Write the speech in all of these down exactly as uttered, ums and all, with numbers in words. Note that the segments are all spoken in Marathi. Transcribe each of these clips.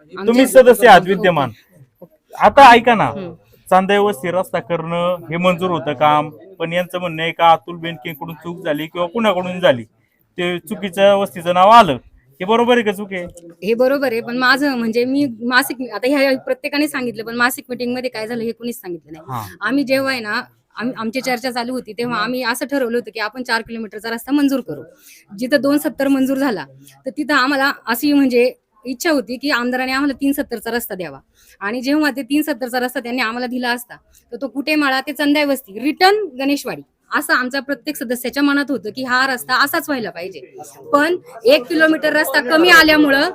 तुम्ही सदस्य आहात विद्यमान. आता ऐका ना, चांदा वस्ती रस्ता करणं हे मंजूर होतं काम, पण यांचं म्हणणं आहे का अतुल बेनकेकडून चूक झाली किंवा कुणाकडून झाली, ते चुकीच्या वस्तीचं नाव आलं. हे बरोबर आहे का चूक आहे? हे बरोबर आहे, पण माझं म्हणजे मी मासिक आता ह्या प्रत्येकाने सांगितलं, पण मासिक मीटिंग मध्ये काय झालं हे कुणीच सांगितलं नाही. आम्ही जेव्हा आहे ना आम्ही आमची चर्चा चालू होती तेव्हा आम्ही असं ठरवलं होतं की आपण चार किलोमीटरचा रस्ता मंजूर करू. जिथं दोन सत्तर मंजूर झाला तर तिथं आम्हाला अशी म्हणजे इच्छा होती की आमदाराने आम्हाला तीन सत्तरचा रस्ता द्यावा. आणि जेव्हा ते तीन सत्तरचा रस्ता त्यांनी आम्हाला दिला असता तर तो कुटेमाळा ते चंदाई वस्ती रिटर्न गणेशवाडी असं आमच्या प्रत्येक सदस्याच्या मनात होतं की हा रस्ता असाच व्हायला पाहिजे. पण एक किलोमीटर रस्ता कमी आल्यामुळं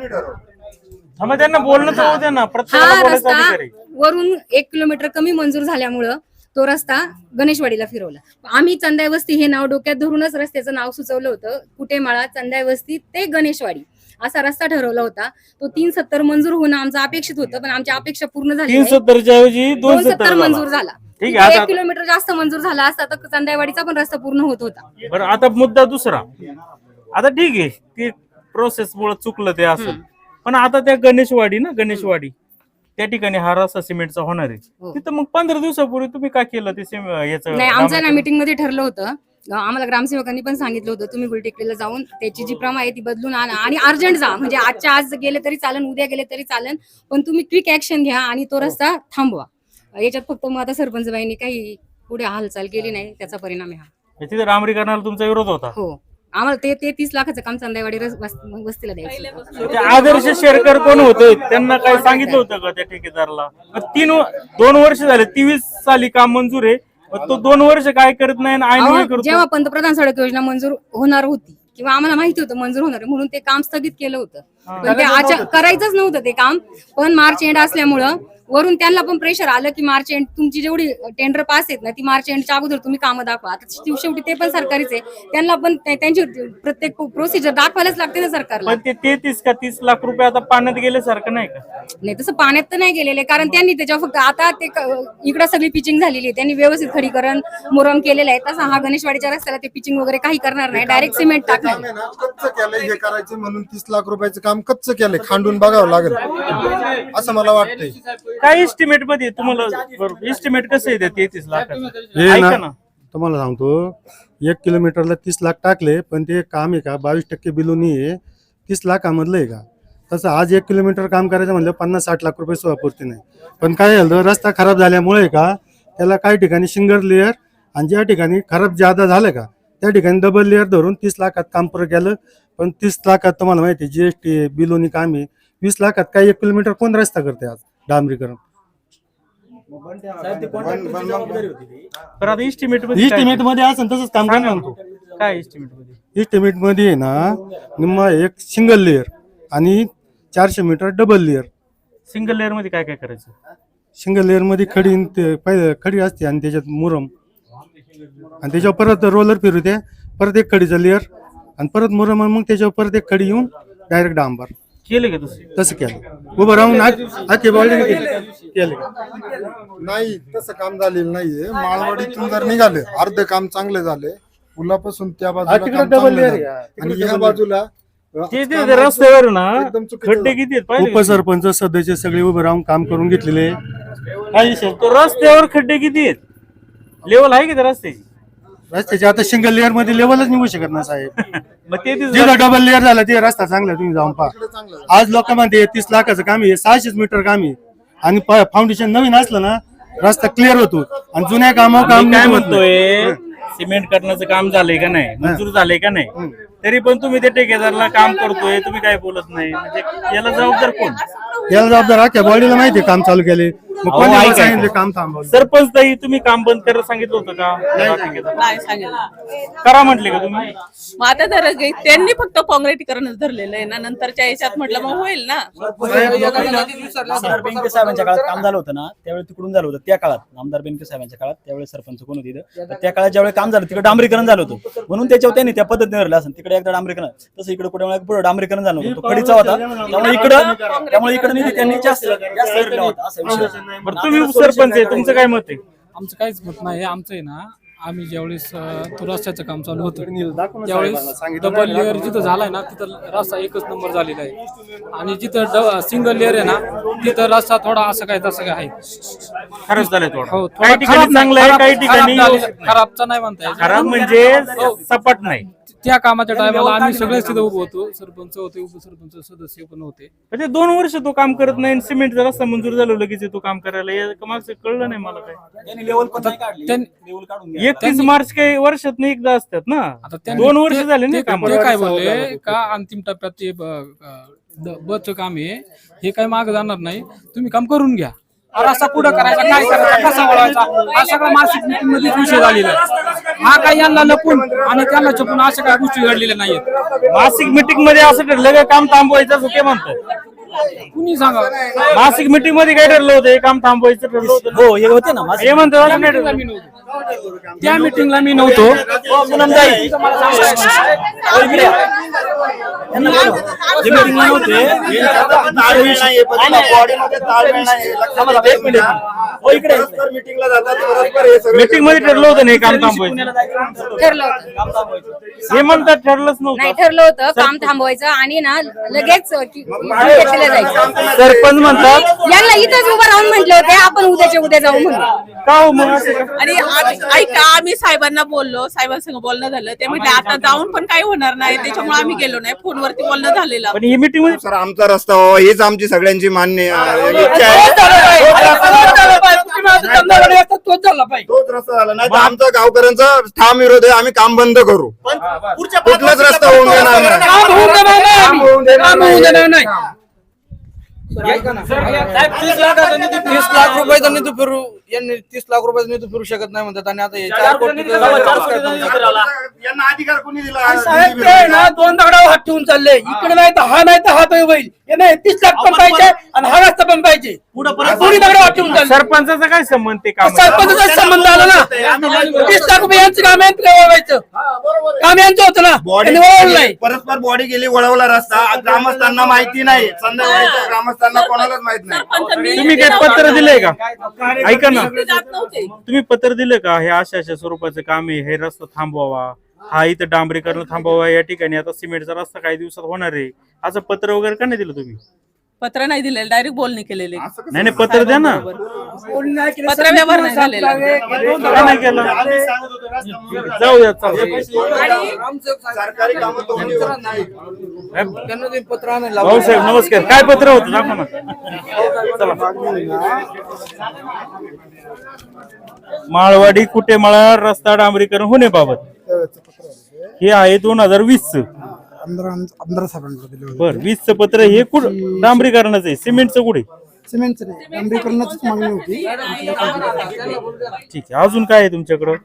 त्यांना बोलणं तर होऊ द्या ना, हा रस्ता वरून एक किलोमीटर कमी मंजूर झाल्यामुळं तो रस्ता गणेशवाडीला फिरवला. आम्ही चंदाई वस्ती हे नाव डोक्यात धरूनच रस्त्याचं नाव सुचवलं होतं. कुटेमाळा चंदाई वस्ती ते गणेशवाडी असा रस्ता ठरवला होता. तो तीन सत्तर मंजूर होणं आमचं अपेक्षित होतं, पण आमची अपेक्षा पूर्ण झाली. तीन सत्तरच्या ऐवजी दोन सत्तर मंजूर झाला. ठीक आहे, एक किलोमीटर जास्त मंजूर झाला असता तर चंदाईवाडीचा पण रस्ता पूर्ण होत होता. बरं, आता मुद्दा दुसरा. आता ठीक आहे, ती प्रोसेस मुळे चुकलं ते असं, पण आता त्या गणेशवाडी ना गणेशवाडी त्या ठिकाणी हा रस्ता सिमेंटचा होणार आहे. तिथं मग पंधरा दिवसापूर्वी तुम्ही काय केलं ते याचं? नाही, आमच्या ना मीटिंग मध्ये ठरलं होतं, आम्हाला ग्रामसेवकांनी पण सांगितलं होतं तुम्ही गुलटेकडीला जाऊन त्याची जी प्रमा आहे ती बदलून आणा आणि अर्जंट जा. म्हणजे आजच्या आज गेले तरी चालेल, उद्या गेले तरी चालेल, पण तुम्ही क्विक ऍक्शन घ्या आणि तो रस्ता थांबवा. याच्यात फक्त मग आता सरपंच बाईंनी काही पुढे हालचाल केली नाही, त्याचा परिणाम आहे हा. तिथे डांबरीकरणाला तुमचा विरोध होता? हो, आम्हाला ते ते तीस लाखाचं काम चंदाईवाडी वस्तीला द्यायचं. आदर्श शेरकर कोण होते, त्यांना काय सांगितलं होतं का त्या ठेकेदाराला? तीन दोन वर्ष झाले, तेवीस साली काम मंजूर आहे, तो दोन वर्ष काय करत नाही. जेव्हा पंतप्रधान सडक योजना मंजूर होणार होती किंवा आम्हाला माहिती होतं मंजूर होणार म्हणून ते काम स्थगित केलं होतं, पण ते करायचंच नव्हतं ते काम. पण मार्च एंड असल्यामुळं वरून त्यांना पण प्रेशर आलं की मार्च एंड तुमची जेवढी टेंडर पास आहेत ना ती मार्च एंडच्या अगोदर तुम्ही कामं दाखवा. आता शेवटी ते पण सरकारीच आहे, त्यांना पण त्यांची प्रत्येक प्रोसिजर दाखवायलाच लागते ना सरकारला. ते तेहतीस का तीस लाख रुपये आता पाण्यात गेल्यासारखं नाही का? नाही, तसं पाण्यात तर नाही गेलेले, कारण त्यांनी त्याच्यावर फक्त आता ते इकडं सगळी पिचिंग झालेली आहे, त्यांनी व्यवस्थित खडीकरण मुरम केलेलं आहे. तसं हा गणेशवाडीच्या रस्त्याला ते पिचिंग वगैरे काही करणार नाही, डायरेक्ट सिमेंट टाकणार. कच्च केलंय हे करायचं म्हणून तीस लाख रुपयाचं काम कच्च केलंय, खांडून बघावं लागेल असं मला वाटतंय. काय एस्टिमेट मध्ये तुम्हाला एस्टिमेट कसं येते तेहतीस लाखाचं? ऐका ना, तुम्हाला सांगतो, एक किलोमीटरला तीस लाख टाकले, पण ते काम आहे का बावीस टक्के बिलोनी आहे, तीस लाखामधलं आहे का? तसं आज एक किलोमीटर काम करायचं म्हणलं पन्नास साठ लाख रुपये सोयापूर्ती नाही. पण काय झालं, रस्ता खराब झाल्यामुळे का त्याला काही ठिकाणी सिंगल लेअर आणि ज्या ठिकाणी खराब ज्यादा झालं का त्या ठिकाणी डबल लेअर धरून तीस लाखात काम पुरं केलं. पण तीस लाखात तुम्हाला माहिती आहे जीएसटी बिलोनी काम आहे, वीस लाखात काही एक किलोमीटर कोण रस्ता करते आज डांबरीकरण? इस्टिमेट इस्टिमेट मध्ये असं तसंच काम करणार म्हणतो. काय इस्टिमेट मध्ये? इस्टिमेट मध्ये आहे ना निम्मा एक सिंगल लेअर आणि चारशे metre double layer. Single layer मध्ये काय काय करायचं? सिंगल लेअर मध्ये खडी ते पहिले खडी असते आणि त्याच्यात मुरम आणि त्याच्यावर परत रोलर फिरवते, परत एक खडीचा लेअर आणि परत मुरम, मग त्याच्यावर परत एक खडी येऊन डायरेक्ट डांबर केलं का तसं? तसं केलं उभं राहून आखे बॉल्डिंग केलं नाही. तसं काम झालेलं नाहीये. माळवाडीतून जर निघाले अर्ध काम चांगले झाले, पुलापासून त्या बाजूला डबल लेअर आणि या बाजूला रस्त्यावर ना खड्डे किती आहेत? उपसरपंच सदस्य सगळे उभे राहून काम करून घेतलेले. तो रस्त्यावर खड्डे किती आहेत? लेवल आहे का त्या रस्त्याची? रस्त्याचे आता सिंगल लेअर मध्ये लेवलच निघू शकत ना साहेब. मग ते जिथं डबल लेअर झाला ते रस्ता चांगला, तुम्ही जाऊन पहा. आज लोकांमध्ये तीस लाखाचं काम आहे, सहाशेच मीटर काम आहे आणि फाउंडेशन नवीन असलं ना रस्ता क्लिअर होतो. आणि जुन्या कामावर काम काय म्हणतोय, सिमेंट करण्याचं काम झालंय का नाही, मंजूर झालंय का नाही, तरी पण तुम्ही त्या ठेकेदाराला काम करतोय, तुम्ही काय बोलत नाही, म्हणजे याला जबाबदार कोण? याला जबाबदार अख्ख्या बॉडीला माहिती काम चालू केले, सांगितले काम थांबवलं. सरपंच ताई तुम्ही काम बंद करायला सांगितलं होतं का? नाही सांगितलं. करा म्हटले का तुम्ही? मग आता तर त्यांनी फक्त काँक्रिटीकरणच धरलेलं आहे ना, नंतरच्या याच्यात म्हटलं मग होईल ना. आमदार बेनके साहेबांच्या काळात काम झालं होतं ना, त्यावेळी तिकडून झालं होतं. त्या काळात आमदार बेनके साहेबांच्या काळात त्यावेळी सरपंच कोण होते तिथं, त्या काळात ज्यावेळी काम झालं तिकडे डांबरीकरण झालं होतं, म्हणून त्याच्यावर त्यांनी त्या पद्धतीने धरलं असं. तिकडे एकदा डांबरीकरण, तसं इकडे कुठे पुढे डांबरीकरण झालं होतं, तो खडीचा होता, त्यामुळे इकडं त्यामुळे इकडे निधी त्यांनी जास्त जास्त धरला होता असा विषय. तुम्ही सरपंच आहे, तुमचं काय मत आहे? आमचं काहीच मत नाही. आमचं आहे ना आम्ही ज्यावेळेस अं, तो रस्त्याचं काम चालू होतं त्यावेळेस डबल लेअर जिथं झालाय ना तिथं रस्ता एकच नंबर झालेला आहे आणि जिथं सिंगल लेअर आहे ना तिथं रस्ता थोडा असं काय तसं काय आहे. खरंच झालंय थोडं हो, थोडा काही ठिकाणी खराब- चांगलं आहे खराब- काही ठिकाणी खराब झालेला- खराबचा नाही म्हणता येत. खराब म्हणजे सपाट नाही. त्या कामाच्या टायमाला आम्ही सगळेच तिथं उभं होतो. सरपंच होते, उपसरपंच सदस्य पण होते. म्हणजे दोन वर्ष तो काम करत नाही सिमेंट जर रस्ता मंजूर झालं लगेच तो काम करायला या मागचं कळलं नाही मला काय. त्यांनी लेवल पण नाही काढली. त्यां- लेवल काढून घ्या. एकतीस मार्च काही वर्षात नाही एकदा असतात ना. आता त्यांनी- दोन वर्ष ते- झाले ना ते- काम. ते काय बोलले का अंतिम टप्प्यात ते बच काम आहे हे काय माग जाणार नाही, तुम्ही काम करून घ्या. रस्ता पुढं करायचा, काय करायचा, कसा वळवायचा, हा सगळा मासिक मीटिंग मध्येच विषय झालेला आहे. हा काय यांना लपून आणि त्यांना छपून अशा काही गोष्टी घडलेल्या नाहीयेत. मासिक मीटिंग मध्ये असं ठरलं का काम थांबवायचं असं ते म्हणतात. कुणी सांगा मासिक मीटिंग मध्ये काय ठरलं होतं हे काम थांबवायचं ठरलं होतं ना? हो हे होते ना माझे. हे म्हणतात असं नाही त्या ठरलं. मी नव्हतो. त्या मिटिंगला मी नव्हतो. हो, पूनमताई. हो, इकडे या. यांना बोलवा. जे meeting ला नव्हते, हे ताळमेळ नाहीये, पण त्यांना बॉडीमध्ये ताळमेळ नाहीये. लक्षात घ्या. एक मिनिट. हो, इकडे या. मीटिंगला जातात परस्पर हे सगळं मीटिंग मध्ये ठरलं होतं नाही काम थांबवायचं. पुण्याला जायचं. ठरलं होतं. काम थांबवायचं. हे म्हणतात ठरलंच नाही नव्हतं. ठरलं होतं काम थांबवायचं आणि ना लगेच की- घेतलं जायचं. सरपंच म्हणतात यांना इथंच उभं राहून म्हटलं होते आपण उद्याच्या उद्या जाऊ म्हणून. का हो मग असं का? आणि आम्ही- ऐका आम्ही साहेबांना बोललो, साहेबांसंग बोलणं झालं. ते म्हटले आता जाऊन पण काही होणार नाही, त्याच्यामुळे आम्ही गेलो नाही. फोनवरती बोलणं झालेलं. पण ही मीटिंग मध्ये सर आमचा रस्ता व्हावा हीच आमची सगळ्यांची मान्य अं, इच्छा आहे. तोच रस्ता झाला नाही तर आमचा गावकऱ्यांचा ठाम विरोध आहे. आम्ही काम बंद करू. पुढच्या पाच कुठलाच रस्ता होऊन देणार नाही. काम होऊन देणार नाही आम्ही. काम होऊन देणार काम होऊन नाही. देणार नाही. तीस लाखाचा निधी तीस लाख रुपयाचा निधी फिरू यांनी तीस लाख रुपयाचा निधी फिरू शकत नाही म्हणतात आणि आता हे चार चार कोटी कोटी निधी लावा, चार कोटी निधी फिरवला. यांना अधिकार कोणी दिला? साहेब ते आहे ना दोन दगडावर हात ठेवून चालले इकडे नाही तर हा नाही तर हा तो होईल हे नाही तीस लाख पण पाहिजे आणि हा रस्ता पण पाहिजे पुढं परत दोन्ही दगडावर हात ठेवून चालले सरपंचाचा काय संबंध ते काम सरपंचाचा संबंध आला ना तीस लाख रुपये यांचं काम यांचं काय वळवायचं काम यांचं होतं ना बॉडी त्यांनी वळवलं नाही परस्पर बॉडी गेली वळवला रस्ता ग्रामस्थांना माहिती नाही. संध्याकाळच्या ग्रामस्थांना कोणालाच माहित नाही. सरपंच मी- तुम्ही काय पत्र दिलंय का? ऐका ना मी जात नव्हते. तुम्ही पत्र दिलं का हे अशा अशा स्वरूपाचं काम आहे हे रस्ता थांबवावा हा इथं डांबरीकरण थांबवावा या ठिकाणी आता सिमेंटचा रस्ता काही दिवसात होणार आहे असं पत्र वगैरे का नाही दिलं तुम्ही? पत्र नाही दिलेलं, डायरेक्ट बोलणी केलेली. नाही नाही पत्र द्या ना. पत्र व्यवहार नाही झालेला. का नाही केलं? जाऊ द्या चालतंय. सरकारी कामं तोंडी होत नाही. त्यांना ते पत्र आणायला भाऊसाहेब नमस्कार काय पत्र होतं दाखवा ना. चला माळवाडी कुटेमाळा रस्ता डांबरीकरण होण्याबाबत हे आहे दोन हजार वीस च आमदार आमदार साहेबांकडे दिले होते. बर वीस च पत्र हे कुठ डांबरीकरणाचं आहे सिमेंटचं कुठे? सिमेंटचं नाही डांबरीकरणाचीच मागणी होती. ठीक आहे अजून काय आहे तुमच्याकडं?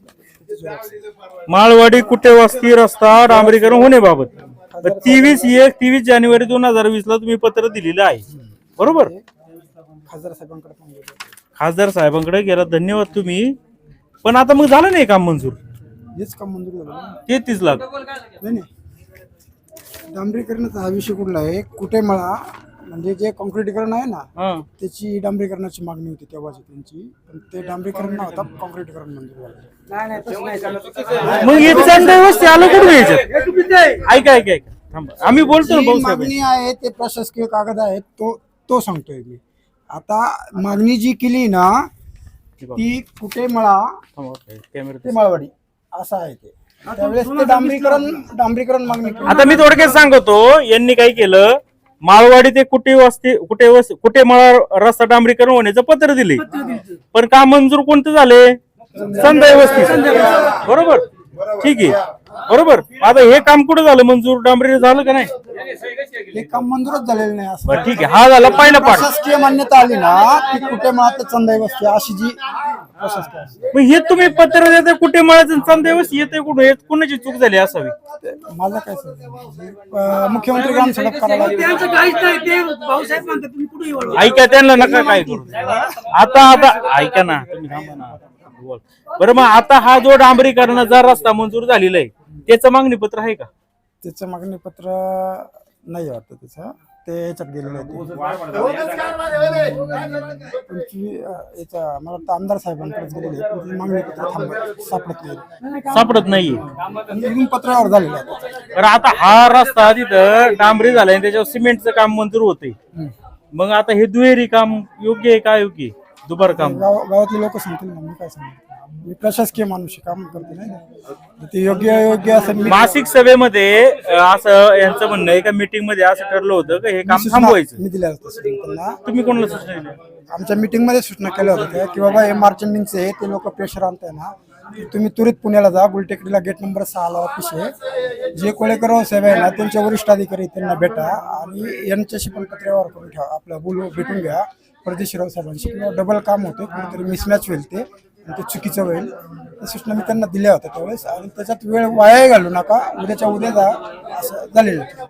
माळवाडी कुटेवास्ती रस्ता डांबरीकरण होण्याबाबत तेवीस एक तेवीस जानेवारी दोन हजार वीस ला तुम्ही पत्र दिलेलं आहे बरोबर? खासदार साहेबांकडे मागणी होती. खासदार साहेबांकडे गेला धन्यवाद तुम्ही. पण आता मग झालं नाही काम मंजूर हेच काम मंजूर झालं ना. तेहतीस लाख नाही नाही डांबरीकरणाचा हा विषय कुठला आहे कुठे मला म्हणजे जे कॉन्क्रीटीकरण आहे ना हा त्याची डांबरीकरणाची मागणी होती तेव्हाची त्यांची पण ते डांबरीकरण न होता कॉन्क्रीटीकरण मंजूर झालं. मग हे चांगलं आलं कुठे यायच्यात? ऐका ऐका ऐका थांबा आम्ही बोलतो ना जी भाऊसाहेब. मागणी आहे ते प्रशासकीय कागद आहेत तो तो सांगतोय मी. आता मागणी जी केली ना ती कुठे मळा कॅमेरा ते माळवाडी असं आहे ते त्यावेळेस ते डांबरीकरण डांबरीकरण मागणी केली. आता मी थोडक्यात सांगतो यांनी काय केलं माळवाडी ते कुठे वस्ती कुठे वस कुठे मळा रस्ता डांबरीकरण होण्याचं पत्र दिले पण काम मंजूर कोणतं झाले? संध्या वस्ती बरोबर ठीक आहे बरोबर. आता हे काम कुठं झालं मंजूर डांबरी झालं का नाही? हे काम मंजूरच झालेलं नाही असं बरं ठीक आहे हा झाला पहिला पाठ. प्रशासकीय मान्यता आली ना ती कुठे मळा ते चंदाई वस्ती अशी जी प्रशासकीय असते. मग हे तुम्ही पत्र देता कुठे मळायचं संध्या वस्ती येते कुठे हे कोणाची चूक झाली असावी? ते माझा काय समज मुख्यमंत्री ग्राम सडक करायला ऐका त्यांना नका काय करू. आता आता ऐका ना तुम्ही थांबा ना. बोल. बरं मग आता हा जो डांबरीकरणाचा रस्ता मंजूर झालेला आहे त्याचं मागणी पत्र आहे का? त्याचं मागणी पत्र नाही वाटतं त्याचं ते याच्यात गेलेले होते तुमची अं, याचा मला वाटतं आमदार साहेबांकडेच गेलेले पण ती मागणी पत्र थांब सापडत नाही सापडत नाहीये. निघून पत्रावर झालेलं आहे त्याचं. तर आता हा रस्ता तिथं डांबरी झालाय आणि त्याच्यावर सिमेंटचं काम मंजूर होते. मग आता हे दुहेरी काम योग्य आहे का योग्य आहे? दुबार काम गाव गावातले लोक सांगतील ना मी काय सांगतो मी प्रशासकीय माणूस आहे, काम करते नाही का? ते योग्य योग्य असं मी- मासिक सभेमध्ये अ, असं यांचं म्हणणं आहे का मीटिंग मध्ये असं ठरलं होतं की हे काम सूचना थांबवायचं. मी दिल्या होत्या त्यांना तुम्ही कोणाला सूचना दिल्या? आमच्या मीटिंग मध्ये सूचना केल्या होत्या की बाबा हे मार्चेंडिंगचे ते लोक प्रेशर आणताय ना की तुम्ही त्वरित पुण्याला जा, गुलटेकडीला गेट नंबर सहाला ऑफिस आहे, जे कोळेकर साहेब आहे ना त्यांच्या वरिष्ठ अधिकारी त्यांना भेटा आणि यांच्याशी पण पत्रव्यवहार करून ठेवा, आपलं बोलू भेटून घ्या परदेशीराव साहेबांशी, किंवा डबल काम होते कुठेतरी मिसमॅच होईल ते आणि ते चुकीचं होईल. त्या सूचना मी त्यांना दिल्या होत्या त्यावेळेस आणि त्याच्यात वेळ वाया घालू नका, उद्याच्या उद्या जा असं झालेलं.